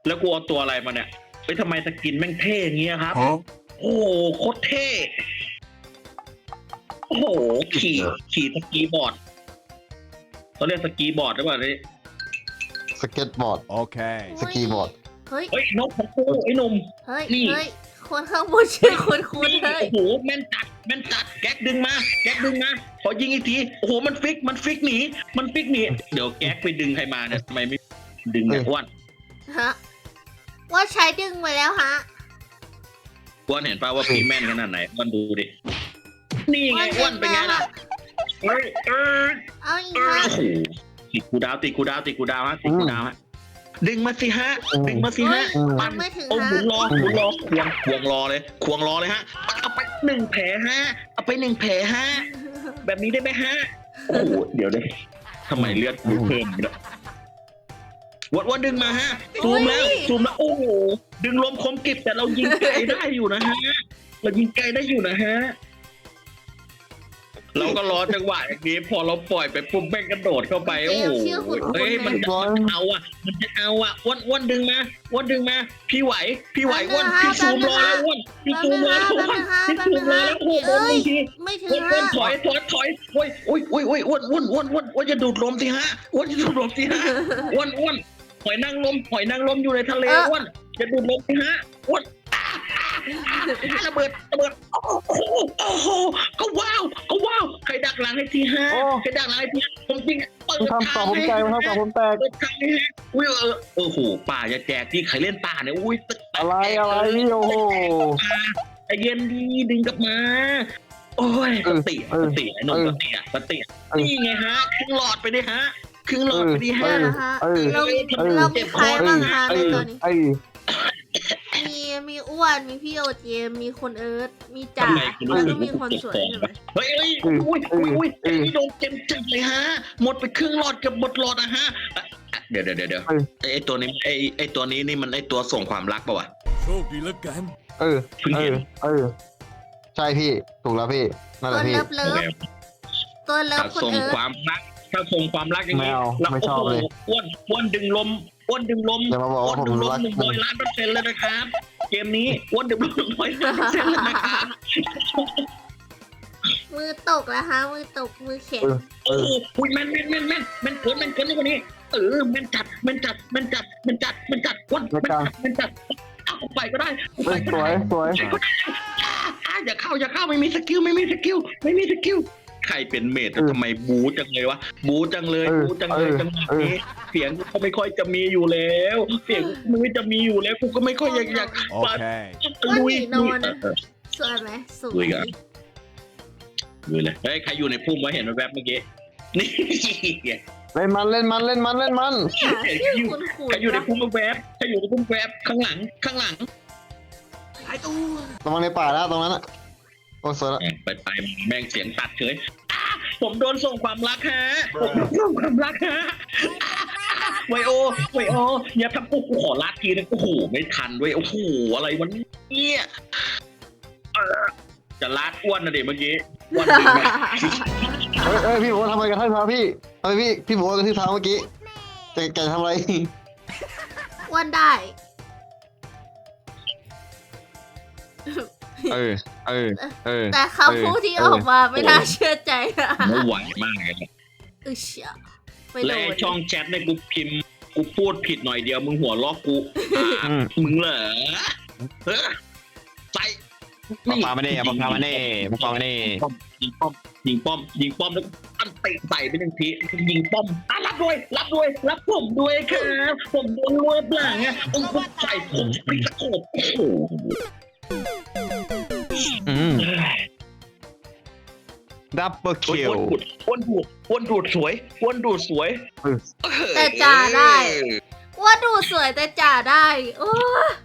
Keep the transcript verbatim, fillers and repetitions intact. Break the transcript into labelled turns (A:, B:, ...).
A: แล้วกูเอาตัวอะไรมาเนี่ยเฮ้ยทำไมสกินแม่งเท่อย่างเงี้ยครับโอ้โหโคตรเท่โอ้โหขี่ขี่สกีบอร์ดเขาเรียกสกีบอร์ดหรือเปล่านี่
B: สเก็ตบอร์ด
C: โอเค
B: สกีบอร์ด
D: เฮ้ย
A: เฮ้ยนกของกูไอ้หนุ่ม
D: เฮ้ย
A: นี่
D: เฮ้ยคนข้างบนชื่อคุณคุณ
A: นี่
D: เฮ้ย
A: โอ้โหแม่นจัดแม่นจัดแก๊กดึงมาแก๊กดึงมาขอยิงอีกทีโอ้โหมันฟิกมันฟิกหนีมันฟิกหนีเดี๋ยวแก๊กไปดึงใครมาเนี่ยทำไมไม่ดึงเนี่ยอ้วน
D: ฮะว่าใช้ดึงไปแล้วฮะ
A: อ้วนเห็นป่าวว่าพี่แม่นขนาดไหนอ้วนดูดินี่ไงอ้วนเป็นไงล่ะเฮ้ยเออ
D: เอาอีก
A: เออ
D: ฮะ
A: โอ้โหติดกูดาวติดกูดาวติดกูดาวฮะติดกูดาวฮะดึงมาสิฮะดึงมาสิฮะ
D: ปันไม่ถึง
A: โอ้
D: ฮะ
A: หมุนรอหมุนรอควงควงรอเลยควงรอเลยฮะเอาไปหนึ่งแผลฮะเอาไปหนึ่งแผลฮะแบบนี้ได้ไหมฮะโอ้โหเดี๋ยวเดี๋ยวทำไมเลือดกูเพิ่มเนี่ยวัดวัดดึงมาฮะซูมแล้วซูมแล้วโอ้โหดึงลมคมกริบแต่เรายิงไกลได้อยู่นะฮะเรายิงไกลได้อยู่นะฮะเราก็รอจังหวะอย่างนี้พอเราปล่อยไปปุ๊บแม่งกระโดดเข้าไปโอ้โหเฮ้ยมันจะเอาอ่ะมันจะเอาอ่ะอ้วนอ้วนดึงมาอ้วนดึงมาพี่ไหวพี่ไหวอ้วนพี่ซูมรอแล้วอ้วนพี่ซูมรอแล้วอ้วนพี่ซูมรอแล้วโอ้โหบางที
D: ไม่ถึง
A: อ้วนอ้วน
D: ฮะ
A: ถอยถอยถอยโอ้ยโอ้ยโอ้ยโอ้ยอ้วนอ้วนอ้วนอ้วนอ้วนจะดูดลมสิฮะอ้วนจะดูดลมสิฮะอ้วนอ้วนหอยนางรมหอยนางรมอยู่ในทะเลอ้วนจะดูดลมสิฮะอ้วนระเบิดระเบิดโอ้โหโอ้โหก็ว้าวก็ว้าวใครดักหลังให้ทีฮะใครดักหลังให้ทีผมจริงเปิด
B: มันทำต่อผมใจมันทำต่อผมแตก
A: เปิดทางนี้ฮะอุ้ยเออโอ้โหป่าจะแจกที่ใครเล่นป่าเนี่ยอุ้ย
B: อะไรอะไรนี่โอ้โห
A: ใจเย็นดีดึงกลับมา โอ้ยสติสติไอ้หนุ่มสติอ่ะสตินี่ไงฮะครึ่งหลอดไปดิฮะครึ่งหลอดไปดิฮะ
D: เดี๋ยวนะฮะ
B: เออ
D: เรา
B: เออ
D: เรามีใครบ้างฮะ
B: ไอ้
D: ในตัวนี้
B: ไอ้
D: มีมีอ้วนมีพี่โอเจมมีคนเอิร์ธมีจ่า
A: ทำไมกูรู้
D: แล้ว
A: สึ
D: ก็
A: ก
D: มีคนสวยใช่ไหม
A: เฮ้ยเฮ้ยอุ้ยอุ้ยอุ้ยไอ้นี่โดนเต็มจัดเลยฮะ หมดไปครึ่งหลอดกับหมดหลอดนะฮะเดี๋ยวเดี๋ยวเดี๋ยวไอ้ตัวนี้ไอ้ไอ้ตัวนี้นี่มันไอ้ตัวส่งความรักป่าวะ
C: โชคดีแล้วกัน
B: เออเออเออใช่พี่ถูกแล้วพี่นั่นแห
D: ตัว
B: ละพี่
D: เลิฟเลิฟตัวเลิฟ
A: ถ้า
D: คน
A: ส่ง
D: เอิร์
A: ค
D: ธ
A: วามรักถ้าส่งความรักอย่างนี้
B: ไม่เอา
A: แล้ว
B: ไม่ช
A: โอ้
B: อบ
A: โห
B: เลย
A: อ้วนอ้วนดึงลมอ้วนดึงลม
B: อย่ามาบอก
A: อ้ว
B: ว่าน ผม
A: ดึงลม
B: รัก
A: หนึ่งร้อยล้านเปอร์เซ็นต์เลยนะครับเกมนี้อ้วนดึงลมหนึ่งร้อยล้านเปอร์เซ็นต์เลยนะครับ
D: มือตกแล้วฮะมือตกมือแข็ง
B: เอ
A: โอ้
B: อ
A: โหอุ้ยแม่นแม่นแม่นแม่นแม่นเกินแม่นเกินนี่กว่านี้เออแม่นจัดแม่นจัดแม่นจัดแม่นจัดแม่นจัดอ้วนแม่นจัดแม่นจัดเอาไปก็ได้เอาไปก็
B: สว
A: ได้
B: ยสวย
A: ไปก็ได้อ่าอ่าอย่าเข้าอย่าเข้าไม่มีสกิลไม่มีสกิลไม่มีสกิลใครเป็นเมดทำไมบูจังเลยวะบูจังเลยบูจังเลยจังหวะนี้เสียงกูก็ไม่ค่อยจะมีอยู่แล้ว เสียงกูไม่จะมีอยู่แล้วกูก็ไม่ค่อยอยากอยาก
C: โอเค
A: ลุยลุย
D: สวยไหมสว
A: ลุย
D: ย
A: กันลุยเลยเฮ้ยใครอยู่ในพุ่มไว้เห็นแวบเมื่อกี้นี่
B: เล่นมันเล่นมันเล่นมันเล่นมัน
D: เนี่ยชื่อคุณคุณ
A: ใครอยู่ในพุ่มแวบใครอยู่ในพุ่มแวบข้างหลังข้างหลังหายตัว
B: ระวังในป่านะตรงนั้นอะโอ้สวยละ
A: ไปไปแม่งเสียงตัดเฉยอ่ะผมโดนส่งความรักฮะผมโดนส่งความรักฮะไวโอไวโออย่าทำกูกูขอลาดทีนึงโอ้โหไม่ทันด้วยโอ้โหอะไรวันนี้เออจะลาดอ้วนนะเด็กเมื่อกี้อ้วนดึงมา
B: เฮ้ยเฮ้ยพี่บอกว่าทำอะไรกันท่านเท้าพี่ทำไมพี่พี่บอกว่ากันที่เท้าเมื่อกี้แกแกทำอะไร
D: อ้วนได้
B: เออเออเออ
D: แต่คำพูดที่ออกมาไม่น่าเชื่อใจอะ
A: ไม่ไหวมากเลย
D: อึเชี่ยไป
A: และ
D: โด
A: ไอ้
D: น
A: ช่องแชทเนี่ยกูพิมพ์กูพูดผิดหน่อยเดียวมึงหัวล้อกูอ่ะมึงเหรอเออใส่
B: ปามาเน่ปามาเน่ปามาเน่
A: ยิงป้อมยิงป้อมยิงป้อมแล้วอันเตะใส่ไปหนึ่งทียิงป้อมอ่ะรับด้วยรับด้วยรับผมด้วยครับผมโดนรวบหลังอ่ะองค์ใส่ผมไปตะโขบโอ้โห
B: อืมดับเบิลคิว
A: อ้วนดูดอ้วนดูดสวยอ้วนดูดสวย
D: แต่จ่าได้ ว่าดูสวยแต่จ่าได้โอ้